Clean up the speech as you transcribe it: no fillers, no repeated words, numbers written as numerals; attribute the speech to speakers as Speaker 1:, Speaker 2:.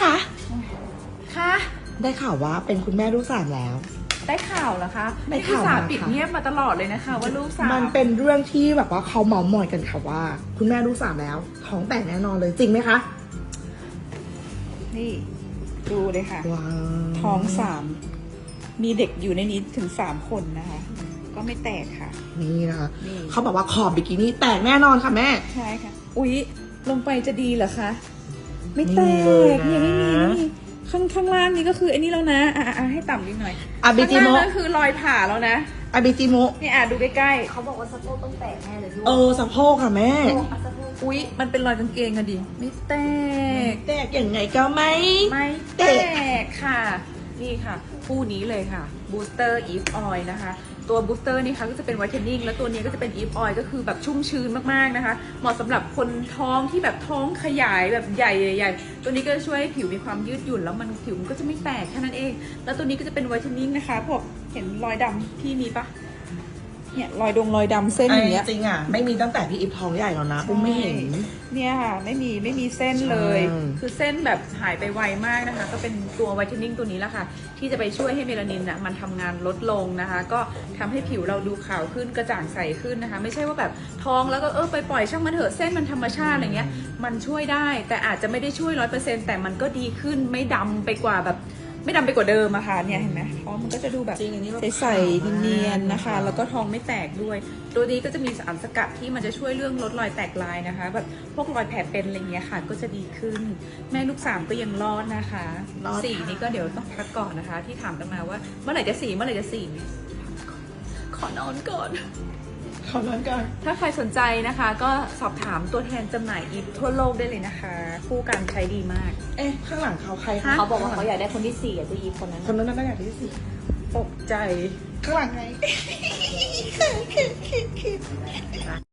Speaker 1: คะ
Speaker 2: ค่ะ
Speaker 1: ได้ข่าวว่าเป็นคุณแม่ลูกสามแล้ว
Speaker 2: ได้ข่าวเหรอคะ
Speaker 1: ได้
Speaker 2: พี่
Speaker 1: ข่าว
Speaker 2: สาว
Speaker 1: มา
Speaker 2: ปิด
Speaker 1: ค่ะ
Speaker 2: เงียบมาตลอดเลยนะคะ ว่าลูกสาว
Speaker 1: มันเป็นเรื่องที่แบบว่าเขาเมาท์มอยกันค่ะว่า คุณแม่ลูกสามแล้ว ท้องแตกแน่นอนเลยจริงไหมคะ
Speaker 2: นี่ดูเลยค่ะ
Speaker 1: ว้าว
Speaker 2: ท้อง3มีเด็กอยู่ในนี้ถึง3คนนะคะ ก็ไม่แตกค่ะ
Speaker 1: นี่นะคะ
Speaker 2: นี่
Speaker 1: เขาบอกว่าขอบบิกินี่แตกแน่นอนค่ะแม่
Speaker 2: ใช่ค่ะ อุ๊ย ลงไปจะดีเหรอคะ ไม่แต
Speaker 1: นี่เลย
Speaker 2: ก
Speaker 1: นะ
Speaker 2: เนี่ยไม่มีนี่ข้างล่างนี่ก็คือไอ้นี่แล้วนะให้ต่ำนิดหน่อย
Speaker 1: อาบิจิ
Speaker 2: ข้าง
Speaker 1: โม
Speaker 2: ล่างนั่นคือรอยผ่าแล้วนะ
Speaker 1: อาบิจิโม
Speaker 2: นี่ดูใกล้
Speaker 3: เขาบอกว่าสะโพกต้องแตกแน่เลยด้วย
Speaker 1: สะโพกค่ะแม่
Speaker 3: สะโพก
Speaker 2: ๆ อุ๊ย มันเป็นรอยกางเกงอะดิ ไม่แตก
Speaker 1: แตกอย่างไงก็ไม่
Speaker 2: ไม่แต
Speaker 1: แต
Speaker 2: กค่ะ นี่ค่ะคู่นี้เลยค่ะ Booster Eve Oil นะคะ ตัว Booster นี่ค่ะก็จะเป็น Whitening แล้วตัวนี้ก็จะเป็น Eve Oil ก็คือแบบชุ่มชื้นมากๆนะคะ เหมาะสำหรับคนท้องที่แบบท้องขยายแบบใหญ่ๆตัวนี้ก็จะช่วยให้ผิวมีความยืดหยุ่นแล้วมันผิวมันก็จะไม่แตกแค่นั้นเอง แล้วตัวนี้ก็จะเป็น Whitening นะคะพวกเห็นรอยดำที่มีปะเนี่ยรอยดำเส้นอย่างเงี้ย
Speaker 1: จริงอ่ะ ไม่มีตั้งแต่พี่อิฟท้องใหญ่แล้วนะอุ้มไม่เห็น
Speaker 2: เนี่ยค่ะไม่มีเส้นเลย
Speaker 1: ใช่
Speaker 2: คือเส้นแบบหายไปไวมากนะคะ ก็เป็นตัวไวท์เทนนิ่งตัวนี้แหละค่ะ ที่จะไปช่วยให้เมลานินน่ะมันทำงานลดลงนะคะ ก็ทำให้ผิวเราดูขาวขึ้นกระจ่างใสขึ้นนะคะ ไม่ใช่ว่าแบบท้องแล้วก็ไปปล่อยช่างมันเถอะเส้นมันธรรมชาติอะไรเงี้ยมันช่วยได้แต่อาจจะไม่ได้ช่วย100%แต่มันก็ดีขึ้นไม่ดำไปกว่าแบบไม่ดำไปกว่าเดิมอะค่ะเนี่ยเห็นไหมท้องมันก็จะดูแบบ
Speaker 1: จริงอันนี้แบบ
Speaker 2: ใสๆเนียนๆนะคะ
Speaker 1: ขาวมาก
Speaker 2: แล้วก็ท้องไม่แตกด้วย ตัวนี้ก็จะมีสารสกัดที่มันจะช่วยเรื่องลดรอยแตกลายนะคะ แบบพวกรอยแผลเป็นอะไรเงี้ยค่ะ ก็จะดีขึ้น แม่ลูก3ก็ยังรอดนะคะ
Speaker 1: รอด
Speaker 2: 4นี่ก็เดี๋ยวต้องพักก่อนนะคะ ที่ถามกันมาว่าเมื่อไหร่จะ4เมื่อไหร่จะ4ขอนอนก่อน
Speaker 1: ขอร้อนก่อน
Speaker 2: ถ้าใครสนใจนะคะ ก็สอบถามตัวแทนจำหน่ายอีฟทั่วโลกได้เลยนะคะคู่กันใช้ดีมาก
Speaker 1: ข้างหลังเขาใคร
Speaker 2: ฮะ
Speaker 3: เขาบอกว่าเขาอยากได้คนที่4อ่ะตัวอีฟคนนั้น
Speaker 1: คนนั้นน่าอยากที่สี่
Speaker 2: ตกใจ
Speaker 1: ข้างหลังไง